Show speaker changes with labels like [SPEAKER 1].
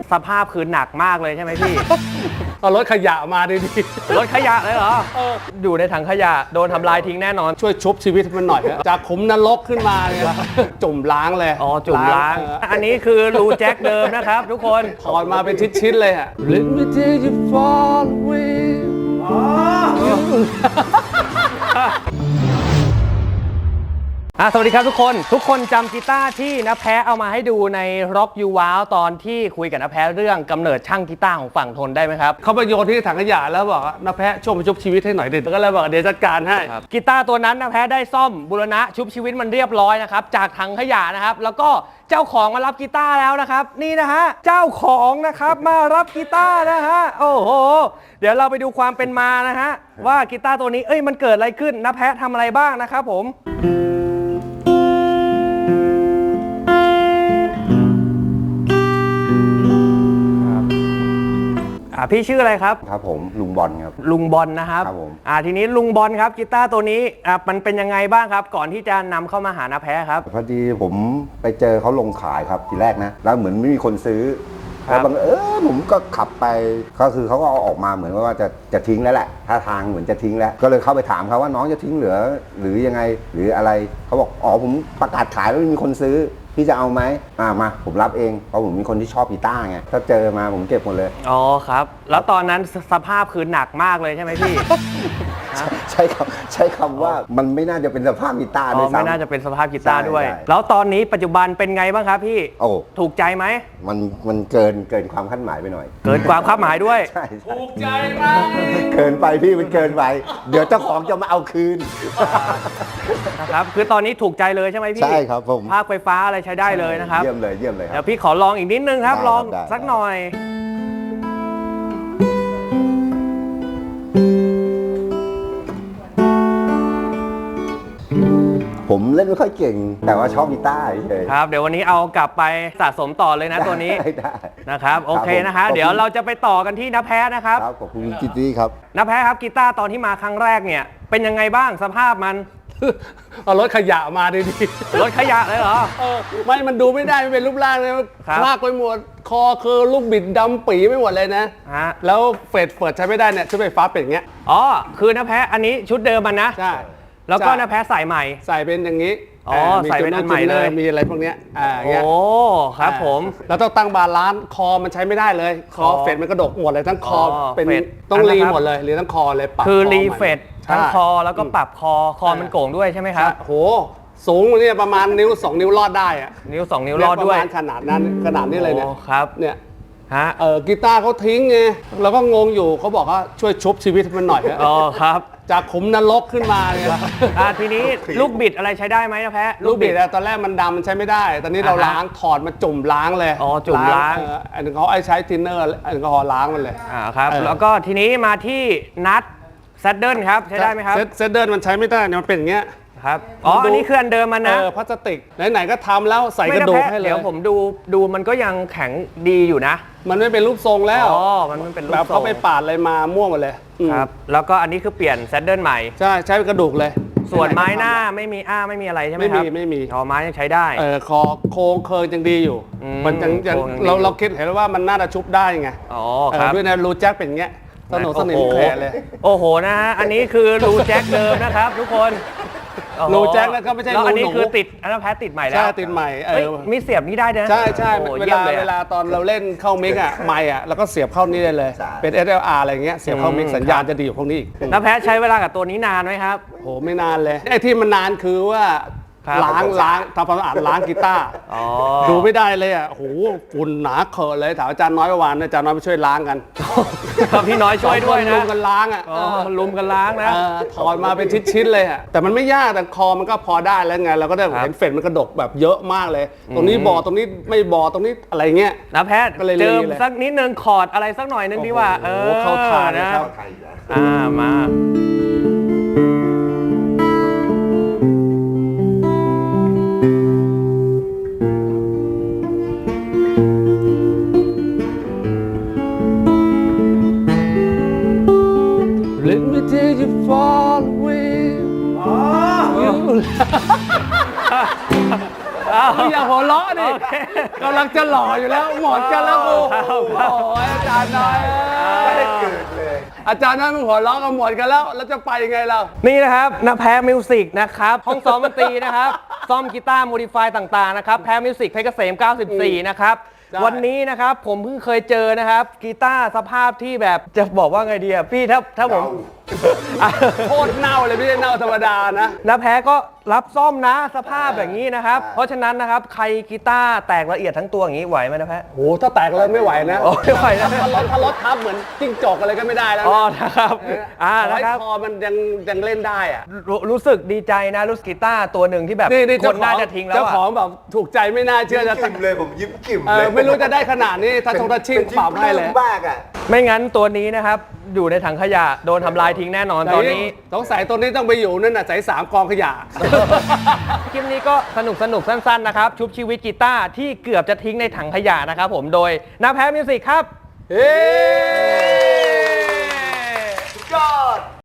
[SPEAKER 1] สภาพคือหนักมากเลยใช่ไหมพี่
[SPEAKER 2] เอารถขยะมาดี
[SPEAKER 1] รถขยะเลยเหรออยู่ในถังขยะโดนทำลายทิ้งแน่นอน
[SPEAKER 2] ๆช่วยชุบชีวิตมันหน่อยนะจากขุมนรกขึ้นมาเนี่ยจุ่มล้างเลย
[SPEAKER 1] อ๋อจุ่มล้างอันนี้คือรูแจ็คเดิมนะครับทุกคน
[SPEAKER 2] ถอดมาเป็นชิ้นๆเลยอ่ะ Let me take you far away
[SPEAKER 1] สวัสดีครับทุกคนจำกีตาร์ที่น้าแพ้เอามาให้ดูใน Rock You Wow ตอนที่คุยกับน้าแพ้เรื่องกำเนิดช่างกีตาร์ของฝั่งทนได้ไหมครับ
[SPEAKER 2] เขาไปโยนที่ถังขยะแล้วบอกว่าน้าแพะช่วยมาชุบชีวิตให้หน่อยดิก็เลยบอกเดี๋ยวจัดการให้
[SPEAKER 1] กีตาร์ตัวนั้นน้าแพ้ได้ซ่อมบูรณะชุบชีวิตมันเรียบร้อยนะครับจากถังขยะนะครับแล้วก็เจ้าของมารับกีตาร์แล้วนะครับนี่นะฮะเจ้าของนะครับมารับกีตาร์นะฮะโอ้โหเดี๋ยวเราไปดูความเป็นมานะฮะว่ากีตาร์ตัวนี้มันเกิดอะไรขึ้นน้าแพ้ทำอะไรบ้างนะครับผมพี่ชื่ออะไรครับ
[SPEAKER 3] ครับผมลุงบอลครับ
[SPEAKER 1] ลุงบอลนะครับ
[SPEAKER 3] ครับผม
[SPEAKER 1] ทีนี้ลุงบอลครับกีตาร์ตัวนี้มันเป็นยังไงบ้างครับก่อนที่จะนำเข้ามาหาน้าแพ้ครับ
[SPEAKER 3] พอดีผมไปเจอเขาลงขายครับทีแรกนะแล้วเหมือนไม่มีคนซื้อแล้วบังผมก็ขับไปก็คือเขาก็เอาออกมาเหมือนว่าจะทิ้งแล้วแหละท่าทางเหมือนจะทิ้งแล้วก็เลยเข้าไปถามเขาว่าน้องจะทิ้งหรือยังไงหรืออะไรเขาบอกอ๋อผมประกาศขายแล้วไม่มีคนซื้อพี่จะเอาไหมมาผมรับเองเพราะผมมีคนที่ชอบกีตาร์ไงถ้าเจอมาผมเก็บหมดเลย
[SPEAKER 1] อ๋อครับแล้วตอนนั้นสภาพคือหนักมากเลยใช่ไหมพี่
[SPEAKER 3] ใช้คำว่ามันไม่น่าจะเป็นสภาพกีตาร์ด้วยซ้ำ
[SPEAKER 1] ไม่น่าจะเป็นสภาพกีตาร์ด้วยแล้วตอนนี้ปัจจุบันเป็นไงบ้างครับพี่ถูกใจไหม
[SPEAKER 3] มันเกินความคาดหมายไปหน่อย
[SPEAKER 1] เกินความคาดหมายด้วย
[SPEAKER 3] ใช่
[SPEAKER 2] ถูกใจมาก
[SPEAKER 3] เกินไปพี่มันเกินไปเดี๋ยวเจ้าของจะมาเอาคืน
[SPEAKER 1] นะครับคือตอนนี้ถูกใจเลยใช่ไหมพี่
[SPEAKER 3] ใช่ครับผม
[SPEAKER 1] ภาคไฟฟ้าอะไรใช้ได้เลยนะครับ
[SPEAKER 3] เยี่ยมเลยครับ
[SPEAKER 1] เดี๋ยวพี่ขอลองอีกนิดนึงครับลองสักหน่อย
[SPEAKER 3] ผมเล่นไม่ค่อยเก่งแต่ว่าชอบกีตาร์เฉย
[SPEAKER 1] ครับเดี๋ยววันนี้เอากลับไปสะสมต่อเลยนะตัวนี้
[SPEAKER 3] ได้
[SPEAKER 1] นะครับโอเคนะฮะเดี๋ยวเราจะไปต่อกันที่น้าแพ้นะครับ
[SPEAKER 3] ขอบคุณกิตตี้ครับ
[SPEAKER 1] น้าแพ้ครับกีตาร์ตอนที่มาครั้งแรกเนี่ยเป็นยังไงบ้างสภาพมัน
[SPEAKER 2] เอารถขยะมาดี
[SPEAKER 1] รถขยะเลยเหรอ
[SPEAKER 2] มันดูไม่ได้ไม่เป็นรูปร่างเลยคลากไปหมดคอคือลูกบิดดำปีไม่หมดเลยนะแล้วเปิดใช้ไม่ได้เนี่ยชุดไฟฟ้าเป็นอย่างเงี้ย
[SPEAKER 1] อ๋อคือน้าแพ้อันนี้ชุดเดิมมันนะ
[SPEAKER 2] ใช่
[SPEAKER 1] แล้วก็น้าแพ้ใส่ใหม่
[SPEAKER 2] ใส่เป็นอย่างนี้
[SPEAKER 1] ใส่เป็นอันใหม่เลย
[SPEAKER 2] มีอะไรพวกเนี้ย
[SPEAKER 1] โอ้ครับผม
[SPEAKER 2] แล้วต้องตั้งบาลานซ์คอมันใช้ไม่ได้เลยคอเฟดมันกระดกหมดเลยทั้งคอเป็นต้องรีหมดเลยหรือทั้งคอเลยปรับ
[SPEAKER 1] คือรีเฟดทั้งคอแล้วก็ปรับคอมันโก่งด้วยใช่ไหมครับ
[SPEAKER 2] โหสูงเนี่ยประมาณนิ้ว2นิ้วรอดได้อะ
[SPEAKER 1] นิ้ว2นิ้วรอดด้วย
[SPEAKER 2] ขนาดนี้เลยเนี่ย
[SPEAKER 1] ครับ
[SPEAKER 2] เนี่ยกีตาร์เขาทิ้งไงเราก็งงอยู่เขาบอกว่าช่วยชุบชีวิตมันหน่อย
[SPEAKER 1] อ๋อครับ
[SPEAKER 2] จากขุมนรกขึ้นมาเนี่ย
[SPEAKER 1] ทีนี้ลูกบิดอะไรใช้ได้ไหมนะแพ้
[SPEAKER 2] ลูกบิดตอนแรกมันดำมันใช้ไม่ได้ตอนนี้เราล้างถอดมาจุ่มล้างเลย
[SPEAKER 1] จุ่มล้าง
[SPEAKER 2] อันนี้เขาใช้ทินเนอร์อันนี้เขาล้างมันเลย
[SPEAKER 1] ครับแล้วก็ทีนี้มาที่นัทแซดเดิลครับใช้ได้ไหมครับ
[SPEAKER 2] แซดเดิลมันใช้ไม่ได้เนี่ยมันเป็นอย่างเงี้ย
[SPEAKER 1] ครับอันนี้คืออันเดิมมันนะ
[SPEAKER 2] พลาสติกไหนๆก็ทำแล้วใส่กระดูกให้เลย
[SPEAKER 1] เดี๋ยวผมดูมันก็ยังแข็งดีอยู่นะ
[SPEAKER 2] มันไม่เป็นรูปทรงแล้ว
[SPEAKER 1] มันไม่เป็นรูปทรง
[SPEAKER 2] แบบเขาไปปาดอะไรมาม่วงหมดเลย
[SPEAKER 1] ครับแล้วก็อันนี้คือเปลี่ยนแซดเดิลใหม่
[SPEAKER 2] ใช้กระดูกเลย
[SPEAKER 1] ส่วนไม้หน้าไม่มีไม่มีอะไรใช่ไหมครับ
[SPEAKER 2] ไม่มี
[SPEAKER 1] ไม้ยังใช้ได้
[SPEAKER 2] คอโค้งเคิร์ยังดีอยู่มันยังเราคิดเห็นว่ามันน่าจะชุบได้ไง
[SPEAKER 1] ครับ
[SPEAKER 2] ด้วยนะรูแจ็คเป็นอย่างเงี้ยสนิมแผลเลย
[SPEAKER 1] โอ้โหนะฮะอันนี้คือรูแจ็คเดิมนะครับทุกคน
[SPEAKER 2] รูแจ็คแล้วก็ไม่ใช่รูหนู
[SPEAKER 1] อันนี้คือติดอันนั้นแพ้ติดใหม่แล้ว
[SPEAKER 2] ใช่ติดใหม่
[SPEAKER 1] มีเสียบนี่ได้นะ
[SPEAKER 2] ใช่เวลาตอนเราเล่นเข้ามิกไมค์แล้วก็เสียบเข้านี่ได้เลยเป็น SLR อะไรเงี้ยเสียบเข้ามิกสัญญาณจะดีกว่าพวกนี้อีก
[SPEAKER 1] น้าแพ้ใช้เวลากับตัวนี้นานไหมครับ
[SPEAKER 2] โหไม่นานเลยไอ้ที่มันนานคือว่าล้างทำความสะอาดล้างกีตาร์ดูไม่ได้เลยอ่ะโหฝุ่นหนาเขอะเลยถามอาจารย์น้อยเมื่อวานอาจารย์น้อยไปช่วยล้างกัน
[SPEAKER 1] พี่น้อยช่วยด้วยนะ
[SPEAKER 2] ลุมกันล้าง
[SPEAKER 1] ลุมกันล้างนะ
[SPEAKER 2] ถอดมาเป็นชิ้นๆเลยอ่ะแต่มันไม่ยากแต่คอมันก็พอได้แล้วไงเราก็ได้เห็นเฟดมันกระดกแบบเยอะมากเลยตรงนี้บอตรงนี้ไม่บอตรงนี้อะไรเงี้ย
[SPEAKER 1] น้าแพ้เจิมสักนิดนึงคอร์ดอะไรสักหน่อยนึงดีว่า
[SPEAKER 2] เข้าทางนะ
[SPEAKER 1] มา
[SPEAKER 2] Let me take you far away อย่าหัวเราะดิกำลังจะหล่ออยู่แล้วหมดกันแล้วกูโอ้ยอาจารย์น้อย
[SPEAKER 3] ไม่ได้เกิดเลย
[SPEAKER 2] อาจารย์น้อยมึงหัวเราะกันหมดกันแล้วจะไปยังไงเรา
[SPEAKER 1] นี่นะครับนาแพ้มิวสิกนะครับห้องซ้อมดนตรีนะครับซ่อมกีตาร์โมดิฟายต่างๆนะครับแพ้มิวสิกเพชรเกษม 94 นะครับ
[SPEAKER 2] ใช่
[SPEAKER 1] วันนี้นะครับผมเพิ่งเคยเจอนะครับกีตาร์สภาพที่แบบจะบอกว่าไงดีอะพี่ถ้าผม
[SPEAKER 2] โคตรเน่าเลยไม่ใช่เน่าธรรมดานะ
[SPEAKER 1] นาแพ้ก็รับซ่อมนะสภาพอย่างนี้นะครับเพราะฉะนั้นนะครับใครกีตาร์แตกละเอียดทั้งตัวอย่างนี้ไหวไหมนะแพ้
[SPEAKER 2] โหถ้าแตกเลยไม่ไหวนะ
[SPEAKER 1] โอ้ไม่ไหวนะ
[SPEAKER 2] ถ้ารถทับเหมือนจิ้งจกอะไรก็ไม่ได้แล้ว
[SPEAKER 1] อ๋อ
[SPEAKER 2] นะ
[SPEAKER 1] นะครับ
[SPEAKER 2] ขอให้
[SPEAKER 1] นะครับ
[SPEAKER 2] คอมันยังเล่นได้อะ
[SPEAKER 1] รู้สึกดีใจนะรู้สึกกีตาร์ตัวหนึ่งที่แบบ
[SPEAKER 2] นี่
[SPEAKER 1] คนน่าจะทิ้งแล้ว
[SPEAKER 2] เจ้า
[SPEAKER 1] อะ
[SPEAKER 2] ของแบบถูกใจไม่น่าเชื่อจะ
[SPEAKER 3] ยิ้มเลยผมยิ้มกิ่ม
[SPEAKER 2] เอ
[SPEAKER 3] เล
[SPEAKER 2] อยไม่รู้จะได้ขนาดนี้ถ้าทงทัชชิ่งปรับให้เลย
[SPEAKER 3] มากอ่ะ
[SPEAKER 1] ไม่งั้นตัวนี้นะครับอยู่ในถังขยะโดนทำลายทิ้งแน่นอนตอนนี้
[SPEAKER 2] สงสัยตัวนี้ต้องไปอยู่นั่นน่ะใส่3กองขยะ
[SPEAKER 1] คลิปนี้ก็สนุกสั้นๆนะครับชุบชีวิตกีตาร์ที่เกือบจะทิ้งในถังขยะนะครับผมโดยนาแพ้มิวสิกครับ
[SPEAKER 2] เฮ้